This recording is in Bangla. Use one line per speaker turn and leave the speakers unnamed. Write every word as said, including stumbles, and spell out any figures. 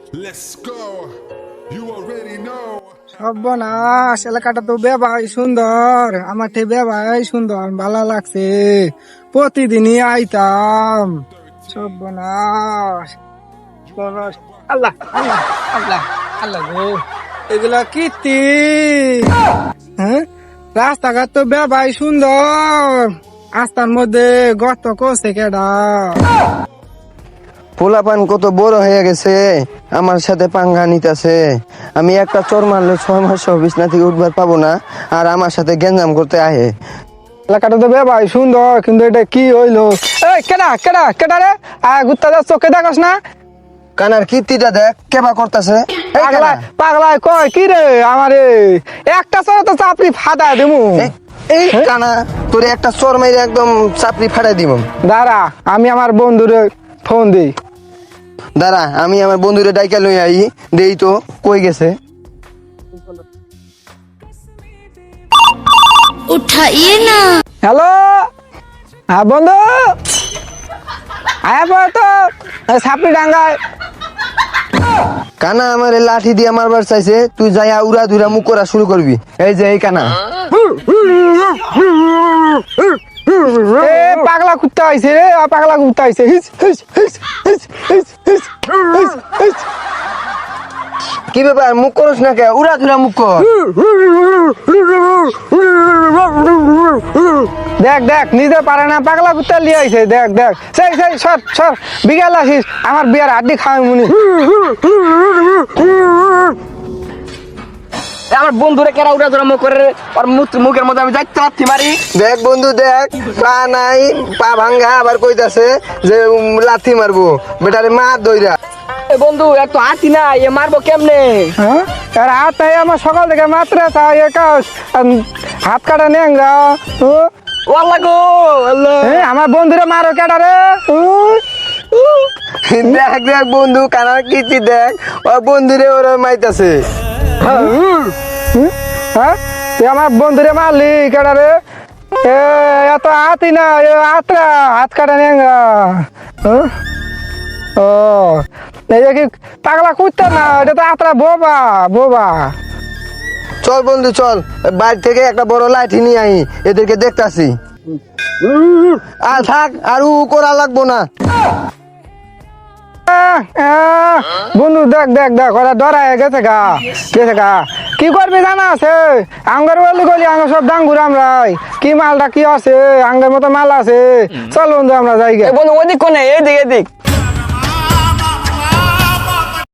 Let's go. You already know.
সর্বনাশ, এলাকাটা তো বেবাই সুন্দর, আমার থেকে বেবাই সুন্দর, ভালো লাগছে। প্রতিদিনই আইতাম। সর্বনাশ, সর্বনাশ। আল্লাহ আল্লাহ আল্লাহ আল্লাহ গো, এগুলা কীর্তি। হ্যাঁ, রাস্তাঘাট তো বেবাই সুন্দর, রাস্তার মধ্যে গর্ত করছে কেডা?
পোলাপান কত বড় হয়ে গেছে, আমার সাথে পাঙ্গা নিতেছে। আমি একটা চোর মারলে ছয় মাস বিছনা থেকে উঠবার পাবো না, আর আমার সাথে গেঞ্জাম করতে আহে।
এলাকাটা তো বেবাই সুন্দর, কিন্তু এটা কি হইলো? এই কেডা কেডা কেডা রে? আয় ঘুরতে যাচ্ছ, কে দেখাস না?
কানার কীর্তিটা দেখ কেবা করতেছে।
পাগলা পাগলা কয় কি রে আমারে? একটা চোর তো চাপড়ি ফাটা দেবো।
এই কানা তোরে একটা চোর মেরে একদম চাপড়ি ফাটাই দিব।
দাঁড়া, আমি আমার বন্ধুরে ফোন দিই।
দাঁড়া, আমি আমার বন্ধুরে ডাইকা লই আই, দেই তো কই গেছে।
उठाइए ना।
হ্যালো, হ্যাঁ বন্ধু, আয়া পড় তো সাপড়ি ডাঙ্গায়।
কানা আমার লাঠি দিয়ে মারবার চাইছে, তুই যাইয়া উড়া ধুরা মুখ করা শুরু করবি। এই যে এই কানা
এ পাগলা কুত্তা আইছে রে, আ পাগলা কুত্তা আইছে। হিস হিস হিস হিস হিস হিস হিস হিস।
কি ব্যাপার, মুখ করস না কে? উড়া ধুরা মুখ কর।
দেখ দেখ, নিজে পারে না, পাগলা কুত্তা লিয়ে আইছে। দেখ দেখ, সেই সেই সর সর, বিকাল আসিস, আমার বিয়ার হাড্ডি খাওয়াই মুনি।
আমার বন্ধুরে কেরা উড়া ধরা মুখ করে, আর মুখের মধ্যে আমি যাইতে পারছি মারি।
দেখ বন্ধু দেখ, পা নাই, পা ভাঙ্গা, আবার কইতাছে যে উম, লাথি মারবো। বেটারে মার দইরা।
এ বন্ধু এত হাতি না, এ মারবো কেমনে?
হ্যাঁ, আর হাত তাই আমার সকাল থেকে মাত্রা তাই একাশ হাত কাটা নেংরা। ও
ও আল্লাহ গো আল্লাহ।
এ, আমার বন্ধুরে মারো কেডা রে? উ, উ।
দেখ দেখ বন্ধু, কানার কীর্তি দেখ, ও বন্ধুরে ওরা মাইতাছে।
হ্যাঁ, তুই আমার বন্ধুরে মারলি কেডা রে? এ এত হাতি না, এ হাতরা হাত কাটা নেংরা। হ্যাঁ? ও এই যে কি পাগলা কুত্তা না, এটা তো আত্রা বোবা বোবা।
চল বন্ধু চল, বাড়ি থেকে একটা বড় লাঠি নিয়ে আই, এদেরকে দেখতাছি। আর থাক, আর উ করা লাগবো না।
আহ, আহ, বন্ধু দেখ দেখ দেখ, ওরা ডরায় গেছে গা গেছে গা। কি করবি জানা আছে? আঙ্গার বলি গলি আঙ্গার সব ডাঙ্গুর আমরাই, কি মালটা কি আছে, আঙ্গার মতো মাল আছে। চল বন্ধু আমরা যাই গে।
এ বন্ধু ওদিক কোনে, এদিক এদিক।